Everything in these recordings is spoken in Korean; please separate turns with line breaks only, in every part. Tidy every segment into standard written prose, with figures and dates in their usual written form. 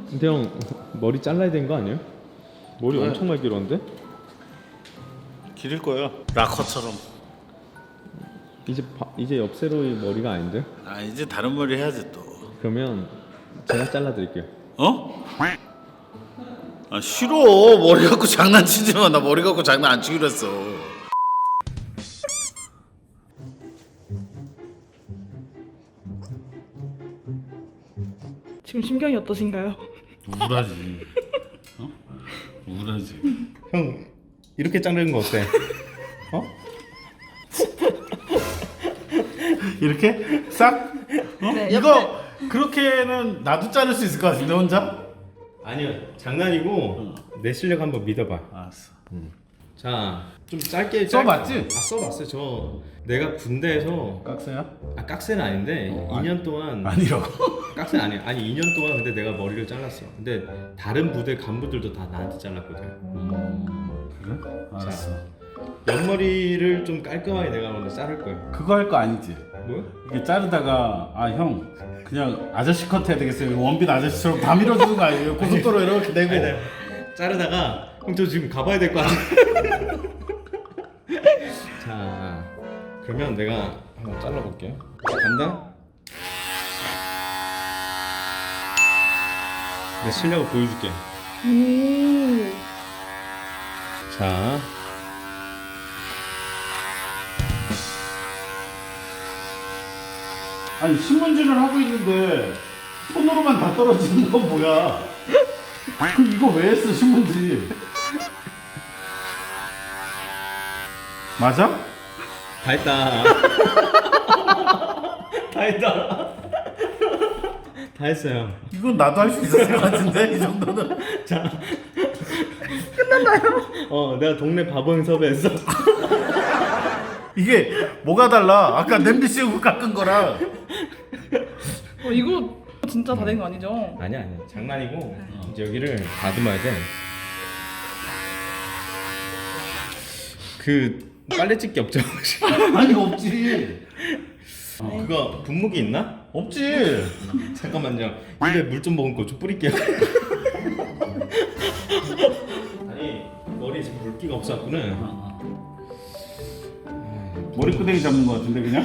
근데 형 머리 잘라야 되는 거 아니에요? 머리
왜?
엄청 많이 길었는데?
기를 거야. 락커처럼.
이제 옆세로의 머리가 아닌데?
아 이제 다른 머리 해야지 또.
그러면 제가 잘라드릴게요.
어? 아 싫어. 머리 갖고 장난치지 마. 나 머리 갖고 장난 안 치기로 했어.
지금 심경이 어떠신가요?
우울하지. 어? 우울하지.
형 이렇게 자르는 거 어때? 어?
이렇게 싹? 어?
네,
이거 그렇게는 나도 자를 수 있을 것 같은데 혼자?
아니요 장난이고 내 실력 한번 믿어봐.
알았어.
자 좀 짧게
써봤지?
써봤어요. 저 내가 군대에서
깍새야?
깍새는 아닌데 2년 동안
아니라고.
깍새는 아니야. 아니 2년 동안 근데 내가 머리를 잘랐어. 근데 다른 부대 간부들도 다 나한테 잘랐거든.
그래? 알았어.
옆머리를 좀 깔끔하게 내가 오늘 자를 거야.
그거 할 거 아니지?
뭐야?
이게 자르다가 아 형 그냥 아저씨 컷 해야 되겠어요. 원빈 아저씨처럼 다 밀어주는 거 아니에요? 고속도로 이렇게 내고.
아니, 자르다가 형 저 지금 가봐야 될 거 아니야? 자 그러면 내가 한번 잘라볼게요. 간다. 내 실력을 보여줄게. 자
아니 신문지를 하고 있는데 손으로만 다 떨어지는 건 뭐야? 그럼 이거 왜 했어 신문지? 맞아?
다 했다. 다 했다. 다 했어요.
이건 나도 할 수 있었을 것 같은데 이 정도는.
자 끝났나요? 내가 동네 바보형 섭외했어.
이게 뭐가 달라? 아까 냄비 씌우고 깎은 거랑.
이거 진짜 다 된 거 아니죠?
아니야 장난이고 이제 여기를 다듬어야 돼. 그 빨래 집게 없죠?
아니 없지.
그거 분무기 있나?
없지.
잠깐만요. 입에 물 좀 머금고 좀 뿌릴게요. 아니 머리 지금 물기가 없었구나.
머리끄댕이 잡는 거 같은데 그냥?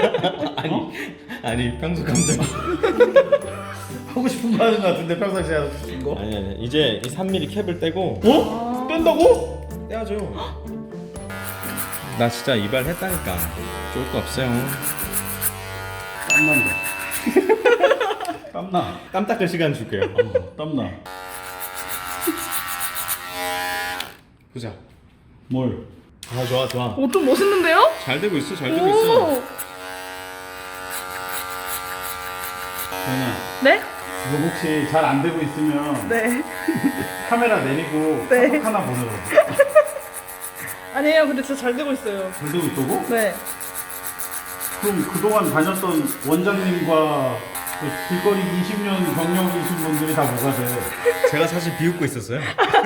아니 평소 감정.
하고 싶은 거 하는 거 같은데 평상시에 하고 싶은 거?
아니 이제 이 3mm 캡을 떼고
어? 뺀다고?
떼야죠. 나 진짜 이발했다니까. 좋을 거 없어요.
땀난다. 땀나.
땀 닦을 시간 줄게요.
땀나.
보자.
뭘?
좋아.
좀 멋있는데요?
잘 되고 있어.
오!
전아.
네?
이거 혹시 잘 안 되고 있으면
네.
카메라 내리고
네.
카톡 하나 보내줘.
아니에요. 근데 진짜 잘 되고 있어요.
잘 되고 있다고?
네.
그럼 그동안 다녔던 원장님과 그 길거리 20년 경력이신 분들이 다 뭐가 돼?
제가 사실 비웃고 있었어요.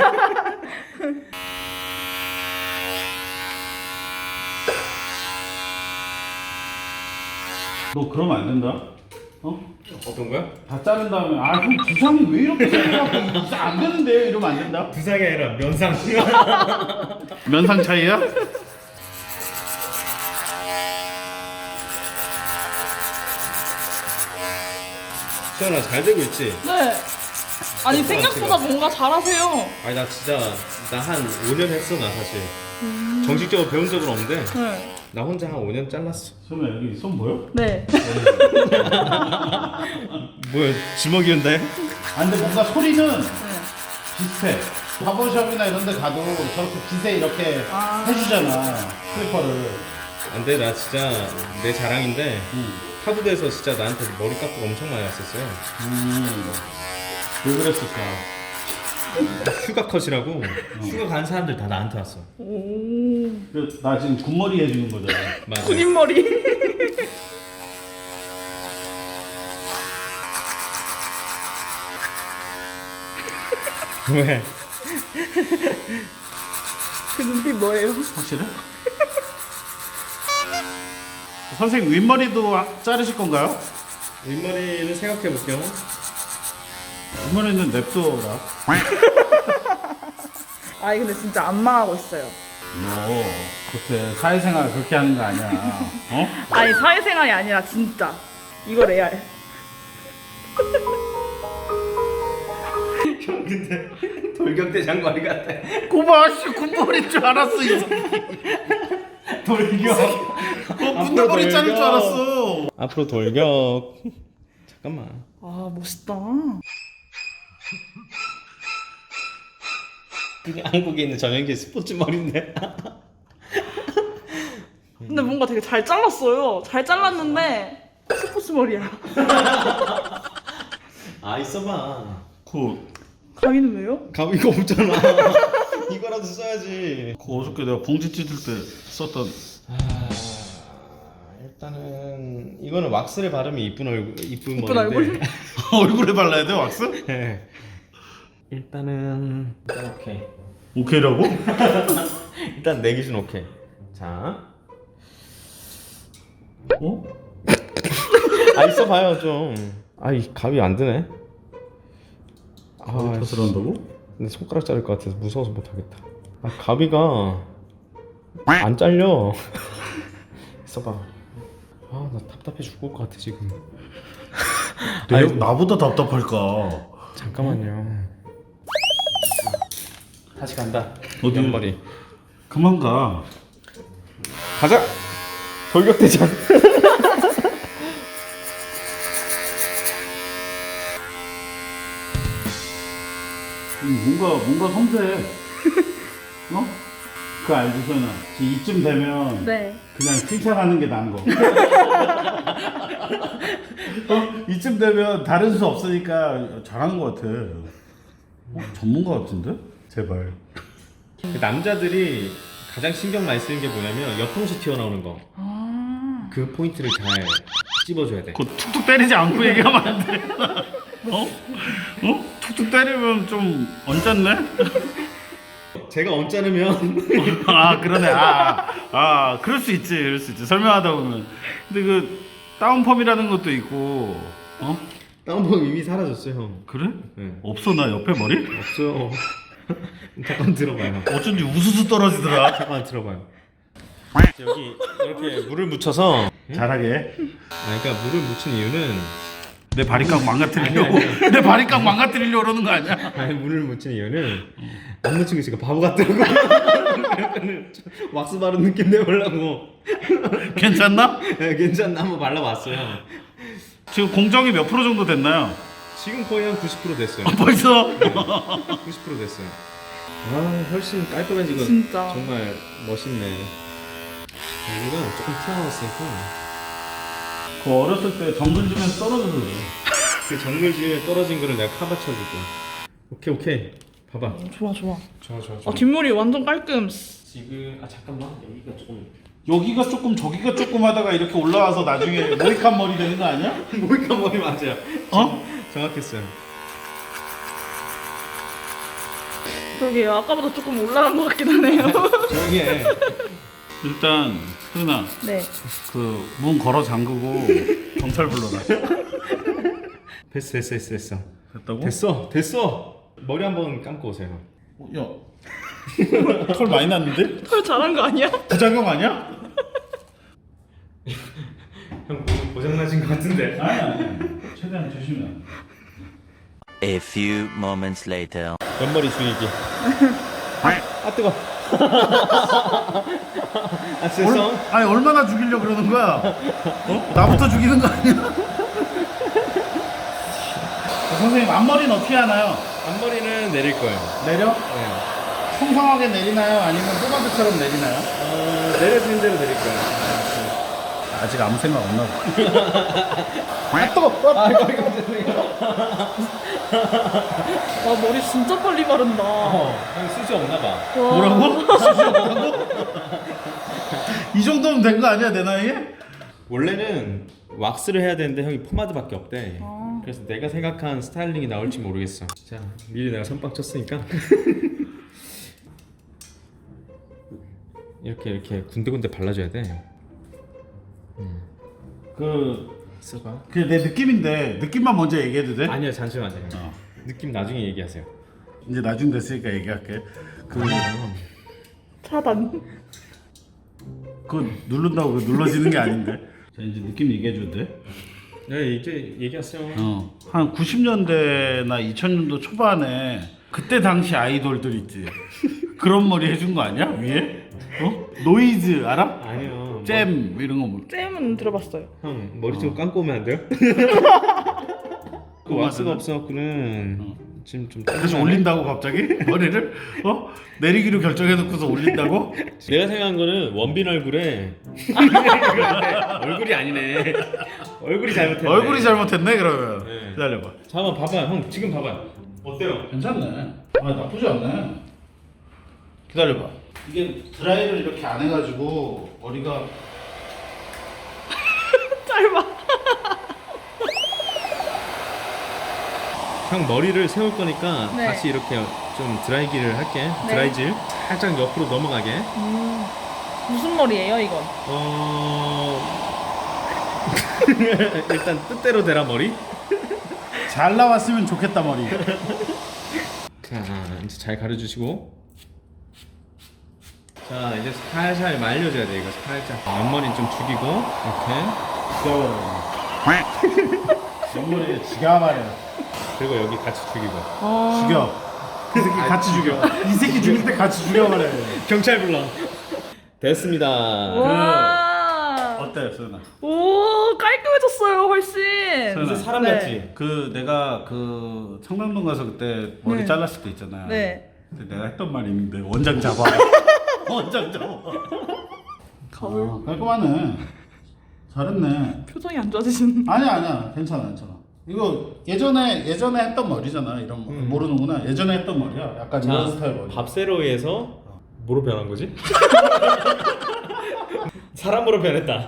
너 그러면 안 된다. 어?
어떤 거야?
다 자른 다음에 형 부상이 왜 이렇게 생겨갖고 이제 안 되는데 이러면 안 된다.
부상이 아니라 면상.
면상 차이야?
수연아 잘 되고 있지?
네. 아니 생각보다 뭔가 잘하세요.
아니 나 진짜 나 한 5년 했어 나 사실. 정식적으로 배운 적은 없는데
네.
나 혼자 한 5년 잘랐어.
소매 여기 손 보여?
네.
뭐야 주먹이었나요?
아 근데 뭔가 소리는
네.
비슷해. 바버샵이나 이런 데 가도 저렇게 빗에 이렇게 해주잖아 클리퍼를.
안돼 나 진짜 내 자랑인데
응.
타부대에서 진짜 나한테 머리 깎고 엄청 많이 왔었어요.
왜 그랬을까?
휴가 컷이라고 휴가 간 사람들 다 나한테 왔어.
오.
나 지금 굿머리 해주는 거잖아.
맞아.
군인 머리.
왜?
그 눈빛 뭐예요?
확실해? 선생님 윗머리도 자르실 건가요?
윗머리는 생각해 볼게요.
이번에는 냅둬라.
아니 근데 진짜 안 망하고 있어요.
너 그때 사회생활 그렇게 하는 거 아니야? 어?
아니 사회생활이 아니라 진짜 이거 레알.
형 근데 돌격대 장관이 같아.
고마 씨 군벌인 줄 알았어 이 새끼.
돌격.
군대벌이 짜는 줄 알았어.
앞으로 돌격. 잠깐만.
아 멋있다.
그냥 한국에 있는 전형기 스포츠 머리인데.
근데 뭔가 되게 잘 잘랐어요. 잘 잘랐는데 스포츠 머리야.
아 있어봐.
그
가위는 왜요?
가위 이거 없잖아. 이거라도 써야지.
어저께 내가 봉지 찢을 때 썼던
일단은 이거는 왁스를 바르면 이쁜 얼굴 이쁜
이쁜
머리인데.
얼굴에 발라야 돼 왁스?
네. 일단 오케이.
오케이라고?
일단 내 기준 오케이. 자.
어?
아 있어봐요 좀. 아이 가위 안 드네. 아
탓을 한다고?
근데 손가락 자를 것 같아서 무서워서 못하겠다. 아 가위가 안 잘려. 있어봐. 아 나 답답해 죽을 것 같아 지금.
나보다 답답할까?
잠깐만요. 다시 간다.
어디?
옆머리.
그만 가.
가자. 돌격대장.
뭔가 섬세해. 어? 그거 알지 소연아? 이쯤 되면
네.
그냥 칭찬하는 게 나은 거. 어? 이쯤 되면 다른 수 없으니까 잘하는 것 같아. 전문가 같은데? 제발.
남자들이 가장 신경 많이 쓰는 게 뭐냐면 옆통수 튀어나오는 거.
아.
그 포인트를 잘 찝어줘야 돼.
그거 툭툭 때리지 않고 얘기하면 안 돼. 어? 어? 툭툭 때리면 좀 언짢네?
제가 언짢으면
아 그러네. 그럴 수 있지, 그럴 수 있지. 설명하다 보면. 근데 그 다운펌이라는 것도 있고, 어?
다운펌 이미 사라졌어요 형.
그래?
네.
없어 나 옆에 머리?
없어요. 잠깐 들어봐요.
어쩐지 우수수 떨어지더라.
잠깐 들어봐요. 여기 이렇게 물을 묻혀서
잘하게.
그러니까 물을 묻힌 이유는
내 바리깡 망가뜨리려고.
아니.
내 바리깡 망가뜨리려고 그러는 거 아니야?
아니 물을 묻힌 이유는 안 묻힌 게 있으니까 바보 같더라고. 약간 왁스 바른 느낌 내보려고.
괜찮나?
네, 괜찮나 한번 발라봤어요.
지금 공정이 몇 프로 정도 됐나요?
지금 거의 한 90% 됐어요.
벌써?
90% 됐어요. 아 훨씬 깔끔해지고
진짜.
정말 멋있네. 여기가 조금 튀어나왔으니까
그 어렸을 때 정글 주면서 떨어져서 그래.
그 정글지에 떨어진 거를 내가 카바쳐주고. 오케이 봐봐.
좋아 좋아.
좋아.
아 뒷머리 완전 깔끔.
지금 잠깐만 여기가 조금
여기가 조금 저기가 조금 하다가 이렇게 올라와서 나중에 모이칸 머리 되는 거 아니야?
모이칸 머리 맞아요.
어?
정확했어요.
그러게요. 아까보다 조금 올라간 것 같긴 하네요.
조용히 해.
일단 소연아
네.
그 문 걸어 잠그고 경찰 불러라.
됐어.
됐다고?
됐어. 머리 한번 감고 오세요.
야, 털 많이 났는데?
털 잘한 거 아니야?
부작용 아니야?
형 고장 나신 것 같은데.
아니. 최대한 조심해.
A few moments later.
옆머리 죽이기. 아 뜨거. 아 죄송.
아니 얼마나 죽이려 그러는 거야? 어? 나부터 죽이는 거 아니야? 선생님 앞머리는 어떻게 하나요?
앞머리는 내릴 거예요.
내려?
네.
풍성하게 내리나요? 아니면 포마드처럼 내리나요?
내려지는 대로 내릴 거예요.
아직 아무 생각 없나 봐.
와 머리 진짜 빨리 바른다.
형 수지 없나 봐.
와.
뭐라고? 수시 없다고? 이 정도면 된 거 아니야 내 나이에?
원래는 왁스를 해야 되는데 형이 포마드밖에 없대.
아.
그래서 내가 생각한 스타일링이 나올지 모르겠어. 자, 미리 내가 선빵 쳤으니까 이렇게 군데군데 발라줘야 돼.
그
써봐.
내 느낌인데 느낌만 먼저 얘기해도 돼?
아니야 잠시만요. 느낌 나중에 얘기하세요.
이제 나중 됐으니까 얘기할게.
차단.
그거 누른다고 그거 눌러지는 게 아닌데. 자 이제 느낌 얘기해줘도 돼?
네 이제 얘기하세요.
한 90년대나 2000년도 초반에 그때 당시 아이돌들 있지. 그런 머리 해준 거 아니야 위에? 노이즈 알아?
아니요.
잼 이런 거 뭐.
잼은 들어봤어요.
형 머리 좀 감고 오면 안 돼요? 그 왁스가 없어갖고는 지금 좀
다시 올린다고 갑자기 머리를 내리기로 결정해놓고서 올린다고?
내가 생각한 거는 원빈 얼굴에 얼굴이 아니네. 얼굴이 잘못했네.
얼굴이 잘못했네 그러면.
네.
기다려봐.
잠깐만 봐봐. 형 지금 봐봐. 어때요?
괜찮네. 아 나쁘지 않네. 기다려봐. 이게 드라이를 이렇게 안 해가지고 머리가
짧아.
형 머리를 세울 거니까
네.
다시 이렇게 좀 드라이기를 할게.
네.
드라이질 살짝 옆으로 넘어가게.
무슨 머리예요 이건?
일단 뜻대로 되라 머리.
잘 나왔으면 좋겠다 머리.
자 이제 잘 가려주시고. 자 이제 살살 말려줘야 돼 이거 살짝. 옆머리 좀 죽이고 이렇게.
옆머리에 지가 말해.
그리고 여기 같이 죽이고.
죽여. 이 새끼 같이 죽여. 이 새끼 죽일 때 같이 죽여 말해.
경찰 불러. 됐습니다.
와.
어때 수연아?
오 깔끔해졌어요 훨씬.
이제 사람
네.
같지?
그 내가 그 청담동 가서 그때 머리
네.
잘랐을 때 있잖아.
네.
근데 내가 했던 말이 있는데 원장 잡아. 원장 잡아.
거울.
깔끔하네. 잘했네.
표정이 안 좋아지시는.
아니야 괜찮아. 이거 예전에 했던 머리잖아. 이런 거 모르는구나. 예전에 했던 머리야. 약간 이런 스타일 머리.
밥세로이에서 뭐로 변한 거지? 사람으로 변했다.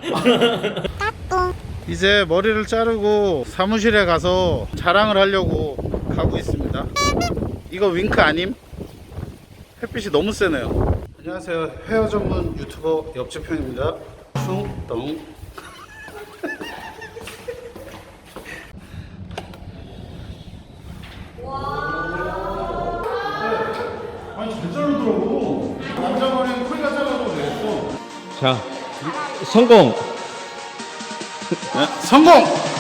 이제 머리를 자르고 사무실에 가서 자랑을 하려고 가고 있습니다. 이거 윙크 아님? 햇빛이 너무 세네요. 안녕하세요. 헤어 전문 유튜버 옆집 형입니다. 숭덩. 아니 잘 자르더라고. 남자 머리는 코리가 잘라도 되겠어.
자 성공.
성공!